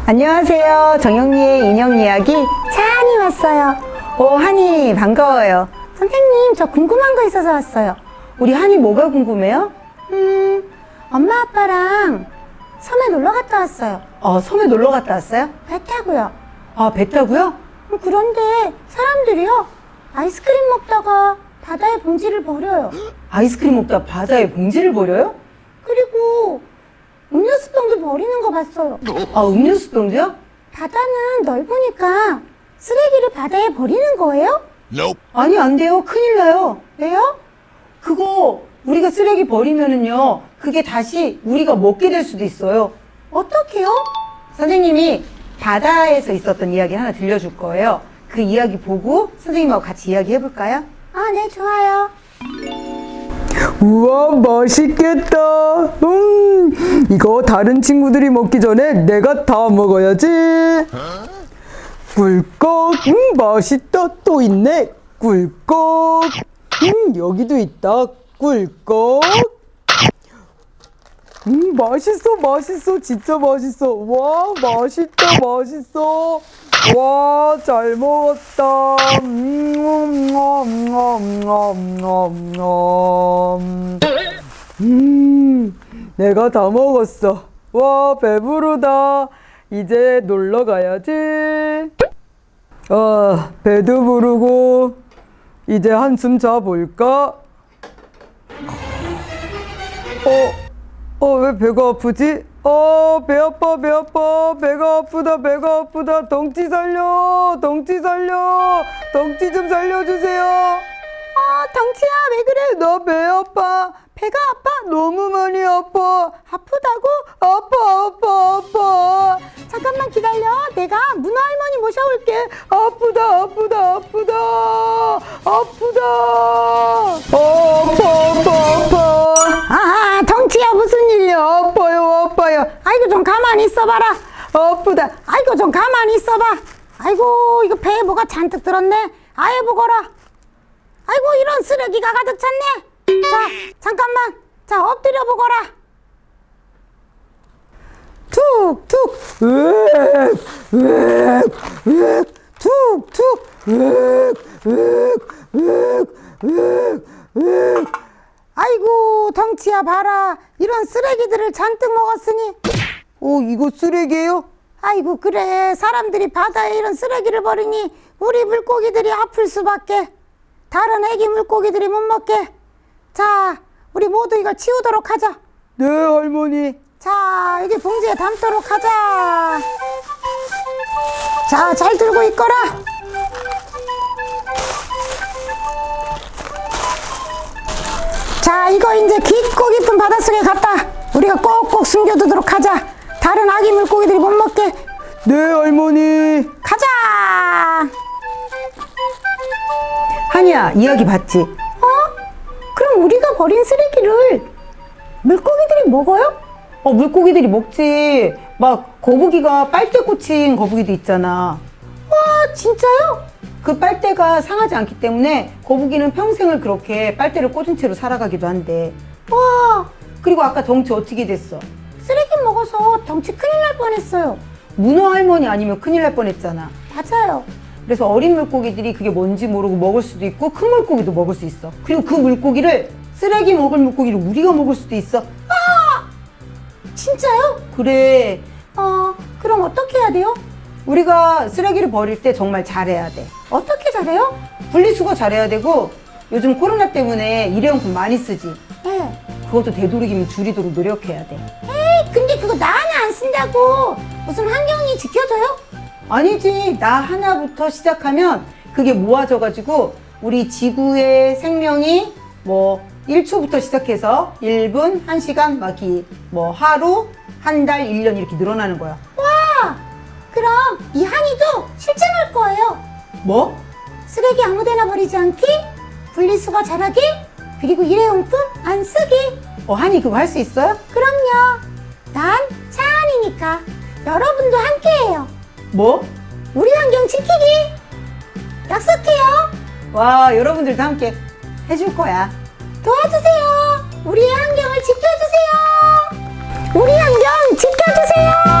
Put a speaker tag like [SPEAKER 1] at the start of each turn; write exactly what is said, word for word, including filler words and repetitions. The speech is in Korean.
[SPEAKER 1] 안녕하세요. 정영리의 인형 이야기 찬이 왔어요. 오, 한이 반가워요. 선생님, 저 궁금한 거 있어서 왔어요. 우리 한이 뭐가 궁금해요? 음, 엄마 아빠랑 섬에 놀러 갔다 왔어요. 어, 섬에 놀러 갔다 왔어요? 배 타고요. 아, 배 타고요? 음, 그런데 사람들이요, 아이스크림 먹다가 바다에 봉지를 버려요. 아이스크림 먹다가 바다에 봉지를 버려요? 그리고 음료수병도 버리는 거 봤어요. 아, 음료수병도요? 바다는 넓으니까 쓰레기를 바다에 버리는 거예요?
[SPEAKER 2] Nope.
[SPEAKER 1] 아니, 안 돼요. 큰일 나요. 왜요? 그거 우리가 쓰레기 버리면은요, 그게 다시 우리가 먹게 될 수도 있어요. 어떡해요? 선생님이 바다에서 있었던 이야기 하나 들려줄 거예요. 그 이야기 보고 선생님하고 같이 이야기 해볼까요? 아, 네, 좋아요.
[SPEAKER 3] 우와, 맛있겠다. 음, 이거 다른 친구들이 먹기 전에 내가 다 먹어야지. 꿀꺽. 음, 맛있다. 또 있네. 꿀꺽. 음, 여기도 있다. 꿀꺽. 음, 맛있어, 맛있어. 진짜 맛있어. 와, 맛있다, 맛있어. 와, 잘 먹었다. 음, 음, 음, 음, 음, 음, 내가 다 먹었어. 와, 배부르다. 이제 놀러 가야지. 아, 배도 부르고 이제 한숨 자볼까? 어, 어, 왜 배가 아프지? 어, 배 아파, 배 아파. 배가 아프다, 배가 아프다. 덩치 살려, 덩치 살려. 덩치 좀 살려주세요. 아, 덩치야, 왜 그래? 나 배 아파. 배가 아파? 너무 많이 아파. 아프다고? 아파, 아파, 아파. 잠깐만 기다려. 내가 문어 할머니 모셔올게. 아프다, 아프다, 아프다. 아프다. 어, 아파, 아파, 아파.
[SPEAKER 1] 아, 덩치야, 무슨 일이야?
[SPEAKER 3] 아파요, 아파요.
[SPEAKER 1] 아이고, 좀 가만히 있어봐라.
[SPEAKER 3] 아프다.
[SPEAKER 1] 아이고, 좀 가만히 있어봐. 아이고, 이거 배에 뭐가 잔뜩 들었네. 아예 보거라. 아이고, 이런 쓰레기가 가득 찼네. 자, 잠깐만. 자, 엎드려 보거라.
[SPEAKER 3] 툭툭. 으악, 으악, 으악. 툭툭. 으악, 으악, 으악, 으악, 으악.
[SPEAKER 1] 아이고, 덩치야, 봐라. 이런 쓰레기들을 잔뜩 먹었으니.
[SPEAKER 3] 어, 이거 쓰레기예요?
[SPEAKER 1] 아이고, 그래. 사람들이 바다에 이런 쓰레기를 버리니 우리 물고기들이 아플 수밖에. 다른 애기 물고기들이 못 먹게. 자, 우리 모두 이걸 치우도록 하자.
[SPEAKER 3] 네, 할머니.
[SPEAKER 1] 자, 여기 봉지에 담도록 하자. 자, 잘 들고 있거라. 자, 이거 이제 깊고 깊은 바닷속에 갔다 우리가 꼭꼭 숨겨두도록 하자. 다른 아기 물고기들이 못 먹게.
[SPEAKER 3] 네, 할머니.
[SPEAKER 1] 가자. 한이야, 이야기 봤지? 어? 그럼 우리가 버린 쓰레기를 물고기들이 먹어요? 어, 물고기들이 먹지. 막 거북이가 빨대 꽂힌 거북이도 있잖아. 와, 진짜요? 그 빨대가 상하지 않기 때문에 거북이는 평생을 그렇게 빨대를 꽂은 채로 살아가기도 한대. 와, 그리고 아까 덩치 어떻게 됐어? 쓰레기 먹어서 덩치 큰일 날 뻔했어요. 문어 할머니 아니면 큰일 날 뻔했잖아. 맞아요. 그래서 어린 물고기들이 그게 뭔지 모르고 먹을 수도 있고 큰 물고기도 먹을 수 있어. 그리고 그 물고기를, 쓰레기 먹을 물고기를 우리가 먹을 수도 있어. 아! 진짜요? 그래. 어, 그럼 어떻게 해야 돼요? 우리가 쓰레기를 버릴 때 정말 잘해야 돼. 어떻게 잘해요? 분리수거 잘해야 되고, 요즘 코로나 때문에 일회용품 많이 쓰지. 네. 그것도 되도록이면 줄이도록 노력해야 돼. 에이, 근데 그거 나 하나 안 쓴다고 무슨 환경이 지켜져요? 아니지. 나 하나부터 시작하면 그게 모아져가지고 우리 지구의 생명이 뭐 일 초부터 시작해서 일 분, 한 시간, 막 뭐 하루, 한 달, 일 년 이렇게 늘어나는 거야. 와! 그럼 이 한이도 실천할 거예요. 뭐? 쓰레기 아무데나 버리지 않기, 분리수거 잘하기, 그리고 일회용품 안 쓰기. 어, 한이 그거 할 수 있어요? 그럼요. 난 차한이니까 여러분도 함께해요. 뭐? 우리 환경 지키기. 약속해요. 와, 여러분들도 함께 해줄 거야. 도와주세요. 우리의 환경을 지켜주세요. 우리 환경 지켜주세요.